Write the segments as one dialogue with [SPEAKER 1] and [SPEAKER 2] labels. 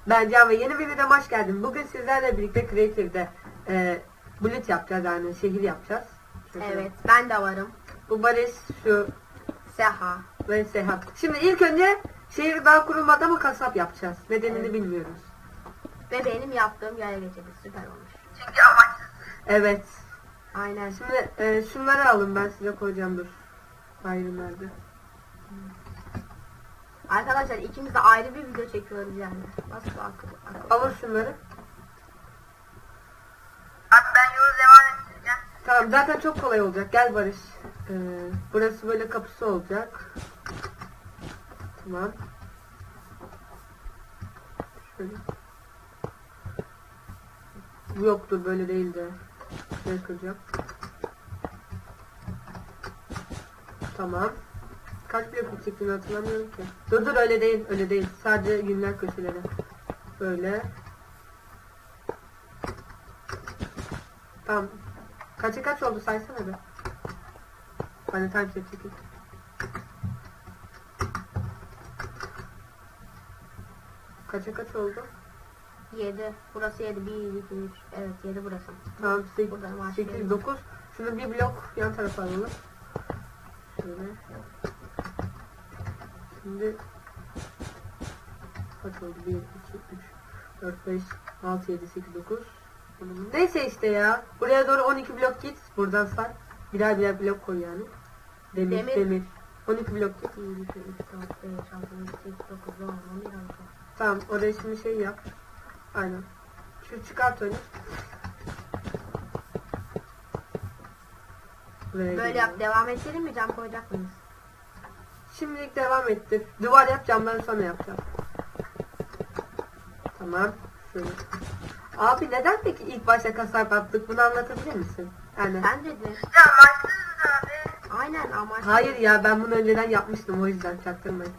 [SPEAKER 1] Ben Can ve yeni bir videoma hoş geldin. Bugün sizlerle birlikte Creative'de bulut yapacağız, yani şehir yapacağız.
[SPEAKER 2] Evet, ben de varım.
[SPEAKER 1] Bu Barış, şu
[SPEAKER 2] Seha.
[SPEAKER 1] ve Sehat. Şimdi ilk önce şehir daha kurulmadan mı kasap yapacağız? Nedenini bilmiyoruz.
[SPEAKER 2] Ve benim yaptığım yaya geçidi süper olmuş.
[SPEAKER 3] Çünkü amaçsız.
[SPEAKER 1] Evet.
[SPEAKER 2] Aynen.
[SPEAKER 1] Şimdi şunları alın, ben size koyacağım, dur. Ayrı nerede?
[SPEAKER 2] Arkadaşlar ikimiz de ayrı bir video çekiyoruz yani. Nasıl akıl.
[SPEAKER 1] Alın şunları.
[SPEAKER 3] Abi ben yolu devam ettireceğim.
[SPEAKER 1] Tamam, zaten çok kolay olacak. Gel Barış. Burası böyle kapısı olacak. Tamam. Şöyle. Yoktur, böyle değil de. Şöyle kıracağım. Tamam. Kaç blok çektiğini hatırlamıyorum ki. Dur öyle değil, öyle değil. Sadece günler köşeleri. Böyle. Tamam. Kaça kaç oldu saysana be. Hani time set çekeyim. Kaça kaç oldu?
[SPEAKER 2] 7. Burası 7. 1, 2, 3. Evet 7 burası.
[SPEAKER 1] Tamam,
[SPEAKER 2] Buradan
[SPEAKER 1] 8,
[SPEAKER 2] başlayalım.
[SPEAKER 1] 9. Şunu bir blok yan tarafa alalım. Şöyle. Şimdi kaç oldu? 1, 2, 3, 4, 5, 6, 7, 8, 9. Neyse işte ya. Buraya doğru 12 blok git. Buradan say. Birer blok koy yani. Demir. 12 blok git.
[SPEAKER 2] 1, 2, 3, 4, 5, 6, 7, 8, 9, 10, 11, 12.
[SPEAKER 1] Tamam, oraya şimdi şey yap. Aynen. Şu çıkart öyle.
[SPEAKER 2] Böyle yap. Devam ettirelim mi? Cam koyacak mıyız?
[SPEAKER 1] Şimdilik devam ettir. Duvar yap, camları sonra yapacağım. Tamam. Şöyle. Abi neden peki ilk başta kasap yaptık? Bunu anlatabilir misin? Yani.
[SPEAKER 2] Sen dedin.
[SPEAKER 3] Ya amaçsızız abi.
[SPEAKER 2] Aynen ama.
[SPEAKER 1] Hayır ya, ben bunu önceden yapmıştım, o yüzden çaktırmayın.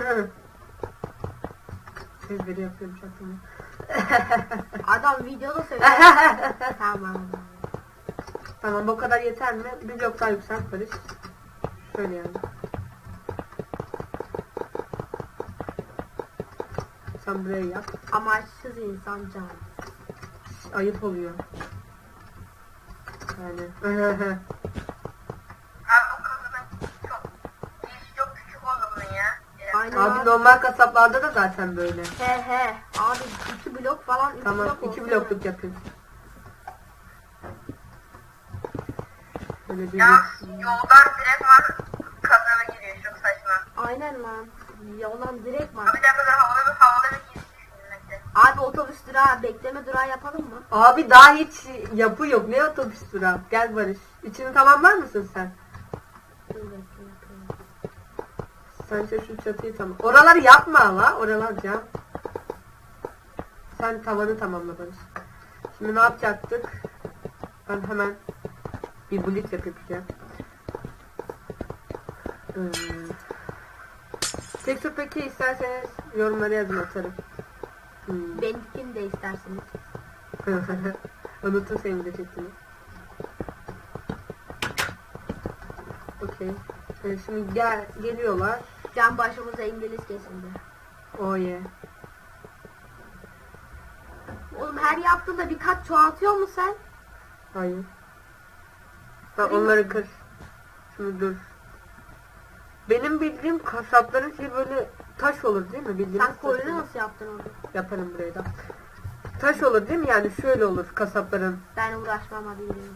[SPEAKER 1] Sesleri yapıyorum, çaktırmayın.
[SPEAKER 2] Adam videoda söylüyor. Tamam.
[SPEAKER 1] Tamam, bu kadar yeter mi? Bir blok daha yükselt Barış. Şöyle yani. Sen buraya yap.
[SPEAKER 2] Amaçsız insan can.
[SPEAKER 1] Ayıp oluyor. Yani.
[SPEAKER 3] Abi bu kasanın çok küçük oldu bunun ya.
[SPEAKER 2] Aynen
[SPEAKER 1] Abi normal kasaplarda da zaten böyle.
[SPEAKER 2] He. Abi 2 blok falan 3
[SPEAKER 1] Tamam,
[SPEAKER 2] blok
[SPEAKER 1] 2
[SPEAKER 2] olsun
[SPEAKER 1] blokluk yapayım. Böyle bir
[SPEAKER 3] Ya yoldan direkt var kasaba giriyor, çok saçma.
[SPEAKER 2] Aynen lan. Yoldan direkt var.
[SPEAKER 3] Abi bir dakika daha havalı bir giriş düşünmekte.
[SPEAKER 2] Abi otobüs durağı bekleme durağı yapalım mı?
[SPEAKER 1] Abi daha hiç yapı yok. Ne otobüs durağı? Gel Barış. İçini tamamlar mısın sen?
[SPEAKER 2] Dur bekle yapayım.
[SPEAKER 1] Sen şu çatıyı tamam. Oraları yapma la. Oralar cam. Sen tavanı tamamla Barış. Şimdi ne yapacaktık? Ben hemen bir bulut yapacağım. Tekstür peki isterseniz yorumlara yazın, atarım.
[SPEAKER 2] Benimkini de isterseniz.
[SPEAKER 1] Unuttum senin de çektiğini. Okey. Şimdi geliyorlar.
[SPEAKER 2] Can başımıza İngiliz kesildi.
[SPEAKER 1] Oh yeah.
[SPEAKER 2] Oğlum her yaptığında bir kat çoğaltıyor mu sen?
[SPEAKER 1] Hayır. Ha,
[SPEAKER 2] Kırayım
[SPEAKER 1] onları kır. Şimdi dur. Benim bildiğim kasapların şey böyle taş olur değil mi? Bildiğiniz
[SPEAKER 2] Sen koyunu
[SPEAKER 1] taş olur.
[SPEAKER 2] nasıl yaptın onu?
[SPEAKER 1] Yaparım burayı da. Taş olur değil mi? Yani şöyle olur kasapların.
[SPEAKER 2] Ben uğraşmam hadi yürüyün.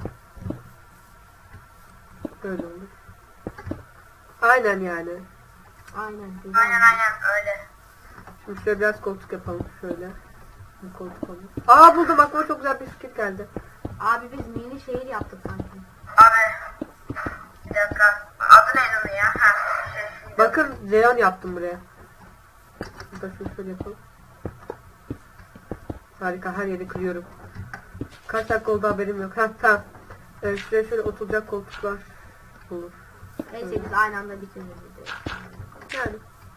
[SPEAKER 1] Böyle olur. Aynen yani.
[SPEAKER 2] Aynen. Güzel.
[SPEAKER 3] Aynen öyle.
[SPEAKER 1] Şimdi şöyle biraz koltuk yapalım. Şöyle. Bir koltuk olur. Aa, buldum, aklıma çok güzel bir fikir geldi.
[SPEAKER 2] Abi biz mini şehir yaptık sanki.
[SPEAKER 3] Abi bir dakika. Adı neydi onun ya?
[SPEAKER 1] Bakın Leon yaptım buraya. Burada şöyle yapalım. Harika, her yeri kırıyorum. Kaç dakika oldu haberim yok. Ha tamam. Şuraya şöyle oturacak koltuklar olur.
[SPEAKER 2] Neyse biz aynı anda bitiririz videoyu.
[SPEAKER 1] Yani.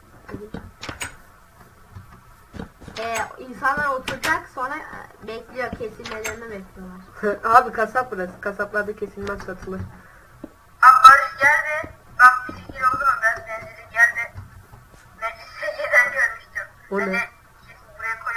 [SPEAKER 2] İnsanlar oturacak sonra bekliyor, kesilmelerini bekliyorlar.
[SPEAKER 1] Abi kasap burası. Kasaplarda kesilmez, satılır.
[SPEAKER 3] Abi Barış geldi. Bak bir fikir oldu mu? Ben benzeri geldi. Meclis secdeden görmüştüm.
[SPEAKER 1] O ne?
[SPEAKER 3] Hani buraya koy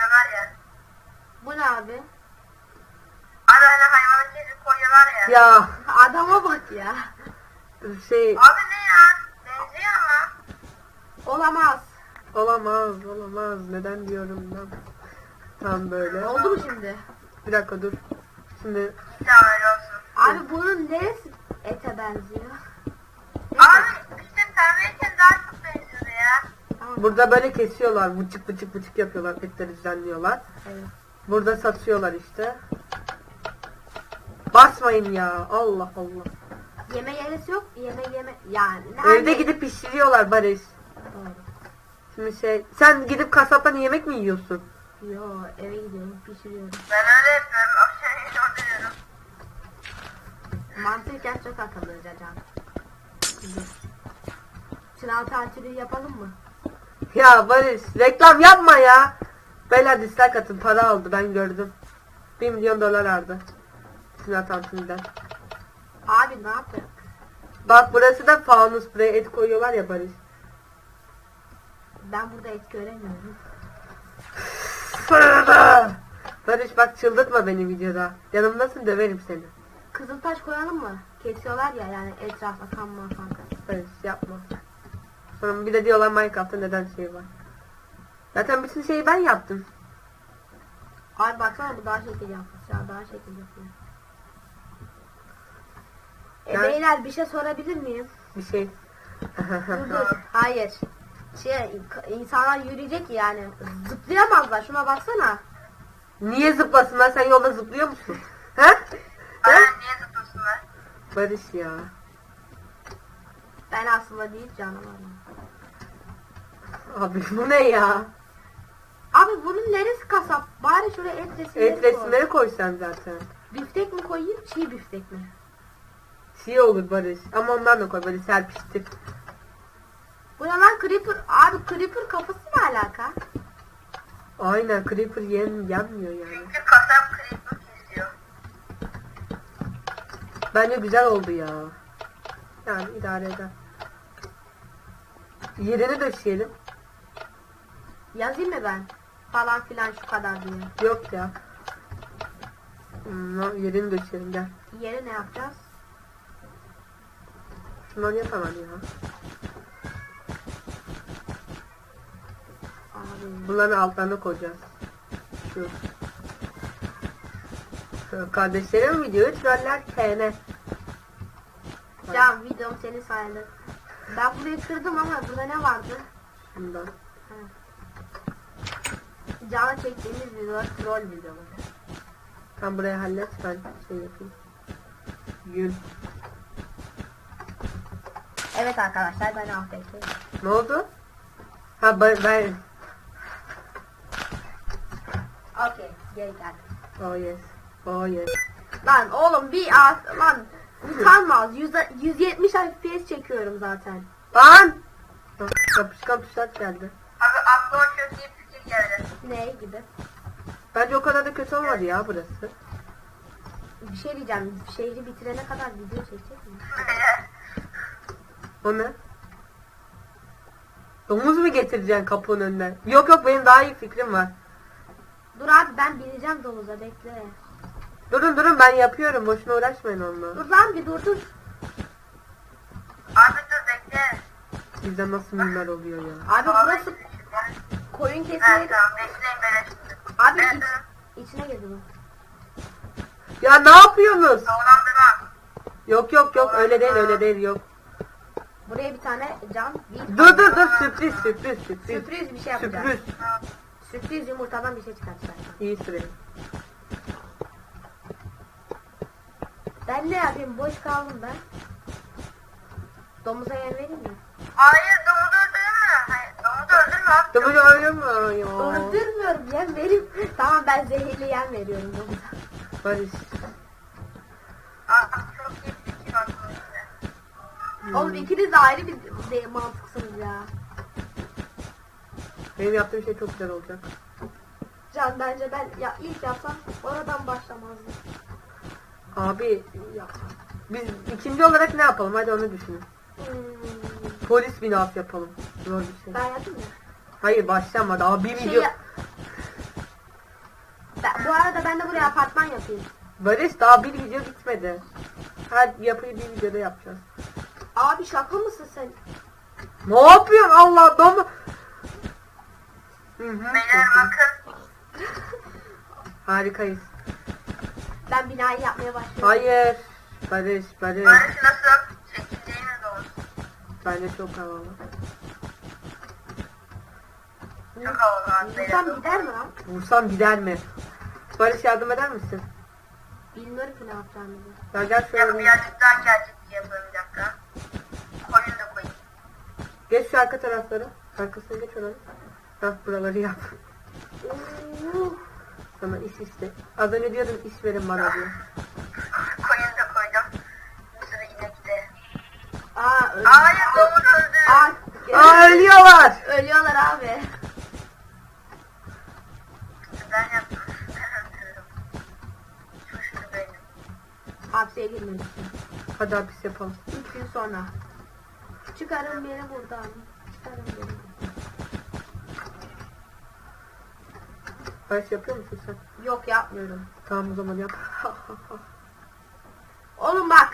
[SPEAKER 1] Ya
[SPEAKER 2] Adama bak ya.
[SPEAKER 1] şey
[SPEAKER 3] Abi ne ya? Benziyor ama.
[SPEAKER 2] Olamaz.
[SPEAKER 1] olamaz. Neden diyorum ben? Tam böyle.
[SPEAKER 2] Oldu mu şimdi?
[SPEAKER 1] Bir dakika dur. Şimdi
[SPEAKER 3] Tamam öyle olsun.
[SPEAKER 2] Abi bunun neresi ete benziyor?
[SPEAKER 3] Abi işte pembeyken daha çok benziyordu ya.
[SPEAKER 2] Tamam.
[SPEAKER 1] burada böyle kesiyorlar. Bıçık yapıyorlar. Etleri düzenliyorlar.
[SPEAKER 2] Evet.
[SPEAKER 1] Burada satıyorlar işte. Basmayın ya. Allah Allah.
[SPEAKER 2] Yeme yerisi yok. Yeme yani.
[SPEAKER 1] Evde gidip pişiriyorlar Barış.
[SPEAKER 2] Doğru.
[SPEAKER 1] Şimdi sen gidip kasaptan yemek mi yiyorsun?
[SPEAKER 2] Yo eve gidiyorum pişiriyorum.
[SPEAKER 3] Ben öyle yapıyorum. Akşam yemeğini orada
[SPEAKER 2] Mantıken çok akıllıca can. Sınav tatili yapalım mı?
[SPEAKER 1] Ya Barış reklam yapma ya. Beyler dislike atın, para aldı, ben gördüm. 1 milyon dolar aldı. Sinan Tantun'dan.
[SPEAKER 2] Abi ne yaptın?
[SPEAKER 1] Bak burası da fanus, buraya et koyuyorlar ya Barış.
[SPEAKER 2] Ben burada et göremiyorum.
[SPEAKER 1] Barış bak çıldırtma beni videoda. Yanımdasın, döverim seni.
[SPEAKER 2] Kızıltaş koyalım mı? Kesiyorlar ya yani etrafa kanma falan.
[SPEAKER 1] Barış yapma. Sonra bir de diyorlar Minecraft'ta neden şey var. Zaten bütün şeyi ben yaptım.
[SPEAKER 2] Abi baksana bu daha şekil yapmış ya daha şekil yapıyor.
[SPEAKER 1] Ben-
[SPEAKER 2] Beyler bir şey sorabilir miyim?
[SPEAKER 1] Bir şey.
[SPEAKER 2] Dur. Hayır. İnsanlar yürüyecek yani. Zıplayamazlar. Şuna baksana.
[SPEAKER 1] Niye zıplasınlar? Sen yolda zıplıyor musun? He?
[SPEAKER 3] Aa,
[SPEAKER 1] He?
[SPEAKER 3] niye zıplasınlar?
[SPEAKER 1] Barış ya.
[SPEAKER 2] Ben aslında değil canavarım.
[SPEAKER 1] Abi bu ne ya?
[SPEAKER 2] Abi bunun neresi kasap? Bari şuraya et resimleri
[SPEAKER 1] Et resimleri koysan zaten.
[SPEAKER 2] Biftek mi koyayım çiğ biftek mi?
[SPEAKER 1] Şey olur Barış. Ama ondan da koy böyle serpiştir.
[SPEAKER 2] Bu ne lan creeper? Abi creeper kafası ne alaka?
[SPEAKER 1] Aynen creeper yenmiyor yani.
[SPEAKER 3] Çünkü kasap creeper kesiyor.
[SPEAKER 1] Bence güzel oldu ya. Yani idare eder. Yerini döşeyelim.
[SPEAKER 2] Yazayım mı ben? Falan filan şu kadar diye.
[SPEAKER 1] Yok ya. Yerini döşeyelim gel.
[SPEAKER 2] Yeri ne yapacağız?
[SPEAKER 1] Şunları yapamam ya.
[SPEAKER 2] Abi.
[SPEAKER 1] Bunların altlarına koyacağız. Şu. Kardeşlerim videoyu troller TN.
[SPEAKER 2] Can videom senin sayende. Ben burayı kırdım ama burada ne vardı?
[SPEAKER 1] Bundan.
[SPEAKER 2] Can'a çektiğimiz videolar troll videoları.
[SPEAKER 1] Tam burayı hallet, ben şey yapayım. Yün.
[SPEAKER 2] Evet arkadaşlar ben AFK'yim.
[SPEAKER 1] Ne oldu? Ha ben
[SPEAKER 2] Okey geri geldim.
[SPEAKER 1] oh yes. Oh yes.
[SPEAKER 2] Lan oğlum lan utanmaz. 170 FPS çekiyorum zaten.
[SPEAKER 1] Lan! Yapışkan tuşlar geldi.
[SPEAKER 3] Abi aklıma çok iyi fikir geldi.
[SPEAKER 2] Ne gibi?
[SPEAKER 1] Bence o kadar da kötü olmadı ya burası.
[SPEAKER 2] Bir şey diyeceğim. Şehri bitirene kadar video çekecek mi?
[SPEAKER 1] O ne? Domuz mu getireceksin kapının önüne? Yok benim daha iyi fikrim var.
[SPEAKER 2] Dur abi ben bineceğim domuza bekle.
[SPEAKER 1] Durun ben yapıyorum, boşuna uğraşmayın onunla.
[SPEAKER 2] Dur lan bir dur.
[SPEAKER 3] Abi dur bekle.
[SPEAKER 1] Bizde nasıl mimler oluyor ya.
[SPEAKER 2] Abi burası koyun
[SPEAKER 3] Evet
[SPEAKER 2] kesmeyi.
[SPEAKER 3] tamam bekleyin ben açtım.
[SPEAKER 2] Abi
[SPEAKER 3] Evet,
[SPEAKER 2] içine girdi bu.
[SPEAKER 1] Ya ne yapıyorsunuz?
[SPEAKER 3] Havalandırma.
[SPEAKER 1] Yok öyle değil yok.
[SPEAKER 2] Buraya bir tane cam bir
[SPEAKER 1] Dur sürpriz.
[SPEAKER 2] sürpriz bir şey yapacağız.
[SPEAKER 1] Sürpriz.
[SPEAKER 2] Sürpriz yumurtadan bir şey çıkartacağız.
[SPEAKER 1] İyi süre.
[SPEAKER 2] Ben ne yapayım? Boş kaldım ben. Domuza yer vereyim mi?
[SPEAKER 3] Hayır domuzu öldürme. Hayır domuzu öldürme abi.
[SPEAKER 1] Domuz öyle mi ya?
[SPEAKER 2] Öldürmüyorum yem vereyim. Tamam ben zehirli yem veriyorum domuza.
[SPEAKER 1] Barış.
[SPEAKER 3] Abi çok iyi fikir aklıma işte.
[SPEAKER 2] Oğlum ikiniz de ayrı bir mantıksınız ya.
[SPEAKER 1] Benim yaptığım şey çok güzel olacak.
[SPEAKER 2] Can bence ben ya ilk yapsam oradan başlamazdım.
[SPEAKER 1] Abi ya. Biz ikinci olarak ne yapalım? Hadi onu düşünün. Polis binası yapalım. Zor bir şey.
[SPEAKER 2] Ben yapayım mı?
[SPEAKER 1] Hayır başlamadı. Abi bir video.
[SPEAKER 2] Bu arada ben de buraya apartman yapayım.
[SPEAKER 1] Barış daha bir video bitmedi. Her yapıyı bir videoda yapacağız.
[SPEAKER 2] Abi şaka mısın sen?
[SPEAKER 1] Ne yapıyorsun Allah dom? Hı hı.
[SPEAKER 3] Beyler bakın.
[SPEAKER 1] Harikayız.
[SPEAKER 2] Ben binayı yapmaya başlıyorum.
[SPEAKER 1] Hayır. Barış.
[SPEAKER 3] Barış nasıl? Çekildiğiniz olsun.
[SPEAKER 1] Bence çok havalı.
[SPEAKER 3] Çok havalı abi beyler.
[SPEAKER 2] Vursam gider mi lan?
[SPEAKER 1] Vursam gider mi? Barış yardım eder misin?
[SPEAKER 2] Bilmiyorum ki ne yapacağımı.
[SPEAKER 1] Ya gel
[SPEAKER 3] Bir dakika,
[SPEAKER 1] şöyle.
[SPEAKER 3] birazcık daha gerçekçi yapalım bir dakika. Koyun da koyayım.
[SPEAKER 1] Geç şu arka tarafları. Arkasına geç oranı. Hah buraları yap. Sana iş iste. Az önce diyordun iş verin bana diye.
[SPEAKER 3] Koyun da koydum. Bir sürü inek de.
[SPEAKER 2] Aa öldü.
[SPEAKER 3] Hayır domuz öldü.
[SPEAKER 1] Aa ölüyorlar.
[SPEAKER 2] Ölüyorlar abi.
[SPEAKER 3] Ben yaptım. Ben öldürdüm. Suçlu benim.
[SPEAKER 2] Hapse girmemişsin.
[SPEAKER 1] Hadi hapis yapalım.
[SPEAKER 2] 3 gün sonra. Çıkarın beni buradan. Çıkarın beni.
[SPEAKER 1] Barış yapıyor musun sen?
[SPEAKER 2] Yok yapmıyorum.
[SPEAKER 1] Tamam o zaman yap.
[SPEAKER 2] Oğlum bak.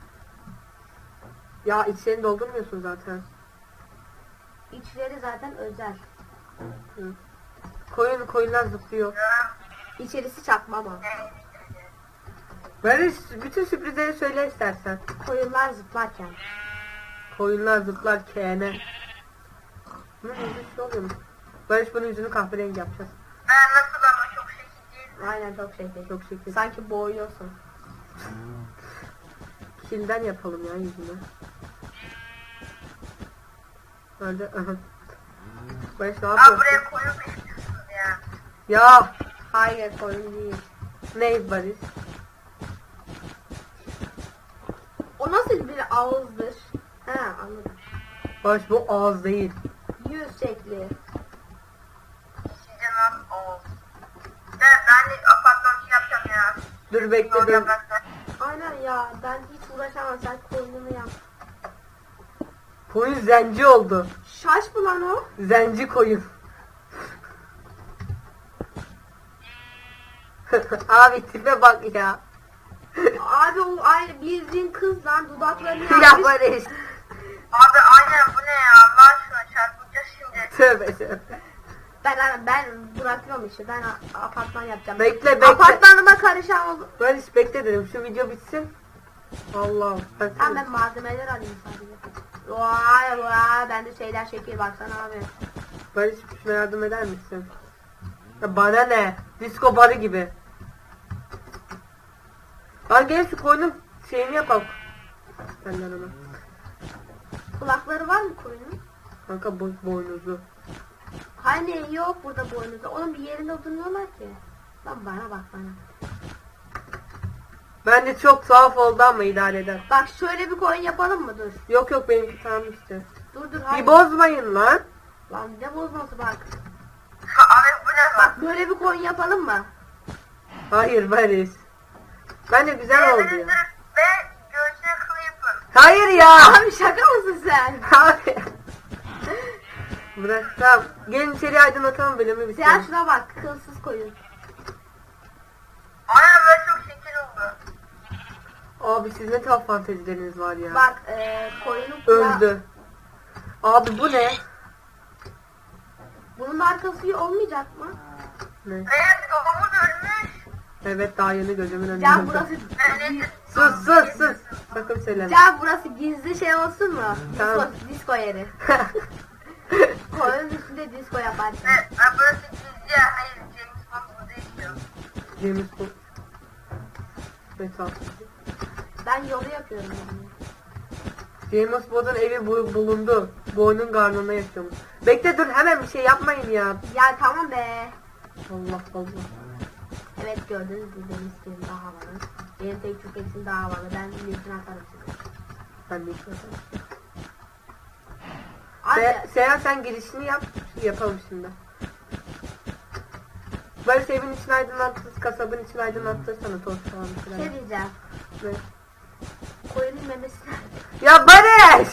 [SPEAKER 1] Ya içlerini doldurmuyorsun zaten.
[SPEAKER 2] İçleri zaten özel.
[SPEAKER 1] Hı. Koyunlar zıplıyor.
[SPEAKER 2] İçerisi çakma ama.
[SPEAKER 1] Barış bütün sürprizleri söyle istersen.
[SPEAKER 2] Koyunlar zıplarken.
[SPEAKER 1] Koyunlar zıplar kene. Bunun yüzü şey oluyor mu? Barış bunun yüzünü kahverengi yapacağız.
[SPEAKER 3] Ben nasıl ama çok şekil değil.
[SPEAKER 2] Aynen çok şekil.
[SPEAKER 1] Çok şekil.
[SPEAKER 2] Sanki boğuyorsun.
[SPEAKER 1] Kilden yapalım ya yüzünü. Öyle. Aha. Barış ne
[SPEAKER 3] Aa
[SPEAKER 1] yapıyorsun?
[SPEAKER 3] buraya koyun mu istiyorsunuz ya?
[SPEAKER 1] Ya
[SPEAKER 2] Hayır koyun değil.
[SPEAKER 1] ne Barış?
[SPEAKER 2] O nasıl bir ağızdır? He anladım.
[SPEAKER 1] Barış bu ağız değil.
[SPEAKER 2] Yüz şekli.
[SPEAKER 3] Canım o. Ben de apartman şey yapacağım ya.
[SPEAKER 1] Dur bekle
[SPEAKER 3] Yol
[SPEAKER 1] dur.
[SPEAKER 3] yapmakta.
[SPEAKER 2] Aynen ya ben hiç uğraşamam sen koyununu yap.
[SPEAKER 1] Koyun zenci oldu.
[SPEAKER 2] Şaş mı lan o?
[SPEAKER 1] Zenci koyun. Abi tipe bak ya.
[SPEAKER 2] Abi o aynı bildiğin kız lan dudaklarını
[SPEAKER 1] Ya
[SPEAKER 2] yapmış.
[SPEAKER 1] Barış.
[SPEAKER 3] Abi aynen bu ne ya? Allah aşkına çarpılacağız şimdi.
[SPEAKER 1] Tövbe tövbe.
[SPEAKER 2] Ben bırakıyorum işte ben apartman yapacağım.
[SPEAKER 1] Bekle.
[SPEAKER 2] Apartmanıma karışan oldu.
[SPEAKER 1] Barış bekle dedim şu video bitsin. Allah.
[SPEAKER 2] Tamam ben malzemeler alayım sadece. Vay bende şeyler şekil baksana abi.
[SPEAKER 1] Barış şuna yardım eder misin? Ya bana ne? Disco barı gibi. Lan gel şu koyunun şeyini yapalım. Benden ona.
[SPEAKER 2] Kulakları var mı koyunun?
[SPEAKER 1] Kanka boynuzu.
[SPEAKER 2] Hani yok burada boynuzda. Onun bir yerinde durmuyorlar ki. Lan bana bak bana.
[SPEAKER 1] Bence çok tuhaf oldu ama idare eder.
[SPEAKER 2] Bak şöyle bir koyun yapalım mı dur.
[SPEAKER 1] Yok benimki tamam işte.
[SPEAKER 2] Dur hayır.
[SPEAKER 1] Bir bozmayın lan.
[SPEAKER 2] Lan ne bozması bak.
[SPEAKER 3] Abi bu ne lan?
[SPEAKER 2] Bak böyle bir koyun yapalım mı?
[SPEAKER 1] Hayır Barış. Bence güzel oldu ya.
[SPEAKER 3] Ve göğsüne kıl yapın.
[SPEAKER 1] Hayır ya.
[SPEAKER 2] Abi şaka mısın sen?
[SPEAKER 1] Abi. Bırak tamam. Gelin içeri aydınlatalım bölümü
[SPEAKER 2] Sen
[SPEAKER 1] bitirelim.
[SPEAKER 2] şuna bak kılsız koyun.
[SPEAKER 3] Aynen böyle çok şekil oldu.
[SPEAKER 1] Abi siz ne tuhaf fantezileriniz var ya.
[SPEAKER 2] Bak koyunun kulağı.
[SPEAKER 1] Öldü. Abi bu ne?
[SPEAKER 2] Bunun arkası olmayacak mı?
[SPEAKER 1] Ne?
[SPEAKER 3] Evet domuz ölmüş.
[SPEAKER 1] Evet daha yeni gözümün önünde.
[SPEAKER 2] Can burası
[SPEAKER 1] Sus. Sakın söyleme.
[SPEAKER 2] Can burası gizli şey olsun mu?
[SPEAKER 1] Tamam.
[SPEAKER 2] Disco yeri. Koyunun üstünde disco yaparsın.
[SPEAKER 3] Evet burası gizli ya. Hayır James Bond burada yaşıyor.
[SPEAKER 1] James Bond. Metal.
[SPEAKER 2] Ben yolu yapıyorum yani.
[SPEAKER 1] James Bond'un evi bulundu. Boynun karnına yaşıyormuş. Bekle dur hemen bir şey yapmayın ya.
[SPEAKER 2] Ya tamam be.
[SPEAKER 1] Allah Allah.
[SPEAKER 2] Evet gördünüz mü benim stilim daha havalı. Benim tek tüketim daha havalı. Ben linkini atarım size.
[SPEAKER 1] Ben de hiç yapamam.
[SPEAKER 2] Abi
[SPEAKER 1] Seyhan sen girişini yap. Yapalım şimdi. Barış evin için aydınlattı, kasabın için aydınlattı sana toz falan bir
[SPEAKER 2] şey
[SPEAKER 1] şeyler.
[SPEAKER 2] diyeceğim.
[SPEAKER 1] Ne?
[SPEAKER 2] Koyunun memesi nerede?
[SPEAKER 1] Ya Barış!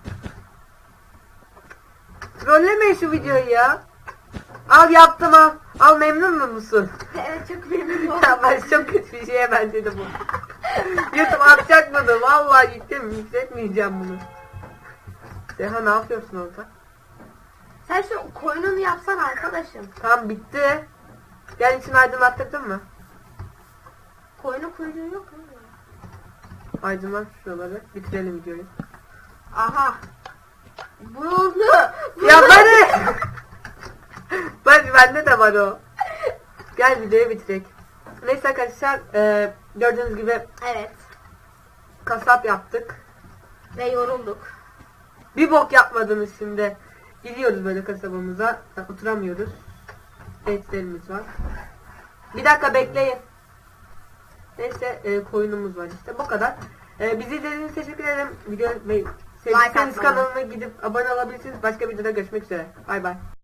[SPEAKER 1] Trollemeyin şu videoyu ya. Al yaptım al. Al, memnun musun?
[SPEAKER 2] Evet çok memnun oldum.
[SPEAKER 1] Ya ben çok kötü bir şeye benzedi bu. YouTube atacak bunu. Vallahi yükletmeyeceğim bunu. Deha ne yapıyorsun orada?
[SPEAKER 2] Sen şu koyununu yapsan arkadaşım.
[SPEAKER 1] Tamam, bitti. Gel, içini aydınlattırdın mı?
[SPEAKER 2] Koyunun kuyruğu yok mu?
[SPEAKER 1] Aydınlat şuraları. Bitirelim videoyu.
[SPEAKER 2] Aha. Buldu.
[SPEAKER 1] Ya bana! Bak bende de var o. Gel videoyu bitirek. Neyse arkadaşlar, gördüğünüz gibi
[SPEAKER 2] Evet.
[SPEAKER 1] kasap yaptık.
[SPEAKER 2] Ve yorulduk.
[SPEAKER 1] Bir bok yapmadınız şimdi. Gidiyoruz böyle kasabamıza. Oturamıyoruz. Etlerimiz var. Bir dakika bekleyin. Neyse, koyunumuz var işte. Bu kadar. Bizi izlediğiniz için teşekkür ederim. Video ve sevdiyseniz
[SPEAKER 2] atmayı.
[SPEAKER 1] kanalına gidip abone olabilirsiniz. Başka videoda görüşmek üzere. Bay bay.